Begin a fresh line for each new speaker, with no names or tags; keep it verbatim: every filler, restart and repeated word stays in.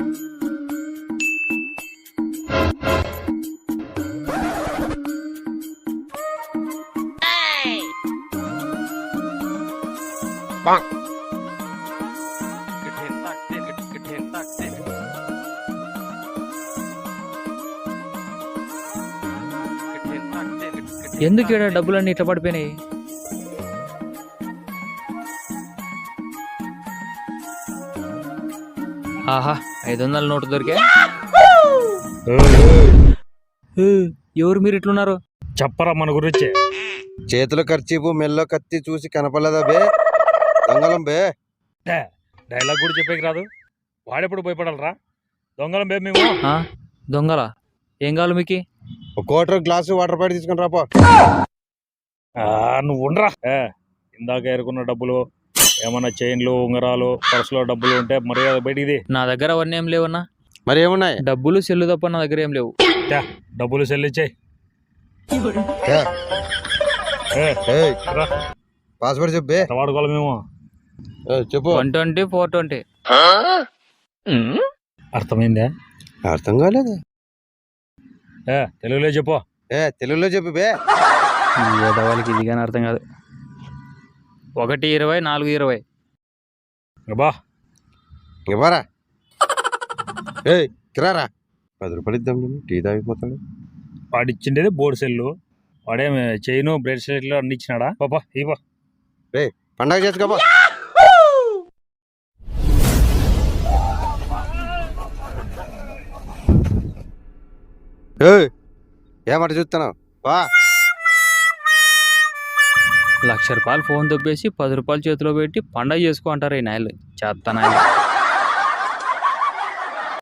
ఎందుకు ఇక్కడ డబ్బులన్నీ ఇట్లా పడిపోయినాయి? ఆహా, ఐదు వందల నోటు దొరికే. ఎవరు మీరు ఇట్లున్నారు?
చెప్పరా మన గురించి.
చేతుల ఖర్చీపు మెల్లో కత్తి చూసి కనపడలేదా బే? దొంగలం బే.
డైలాగ్ కూడా చెప్పేకి రాదు, వాడెప్పుడు భయపడాలరా? దొంగలం బే మేము.
దొంగలా? ఏం కావాలి మీకు?
ఒక కోటర్ గ్లాసు వాటర్ బాటిల్ తీసుకుని రాపో.
నువ్వు ఉండరా. ఇందాక ఎరుకున్న డబ్బులు, ఏమన్నా చైన్లు, ఉంగరాలు, పర్సులో డబ్బులు ఉంటే మర్యాద బయటిది.
నా దగ్గర అవన్నీ ఏం లేవన్నా.
మరి ఏమున్నాయి?
డబ్బులు సెల్లు తప్ప నా దగ్గర ఏం లేవు.
డబ్బులు చెల్లించాయి.
పాస్వర్డ్ చెప్పే.
వాడుకోవాలి మేము.
చెప్పు.
One twenty four twenty.
అర్థమైందా?
అర్థం కాలేదు.
తెలుగులో చెప్పు.
ఏ తెలుగులో చెప్పు బే.
వాళ్ళకి ఇది కానీ అర్థం కాదు. ఒకటి ఇరవై నాలుగు ఇరవై.
బా
ఇవ్వరా. ఏ కిరారా. పది రూపాయలు ఇద్దాం, టీ తాగిపోతాడు.
వాడిచ్చిండేది బోర్డు సెల్లు, వాడేమి చైను బ్రేస్లెట్లు అన్ని ఇచ్చినాడా? బాబా ఇవ్వ.
రే పండగ చేసుకోబా. ఏమాట చూస్తున్నావు? బా.
లక్ష రూపాయలు ఫోన్ దొబ్బేసి పది రూపాయలు చేతిలో పెట్టి పండగ చేసుకో అంటారు ఈ నాయలు. చేస్తాను.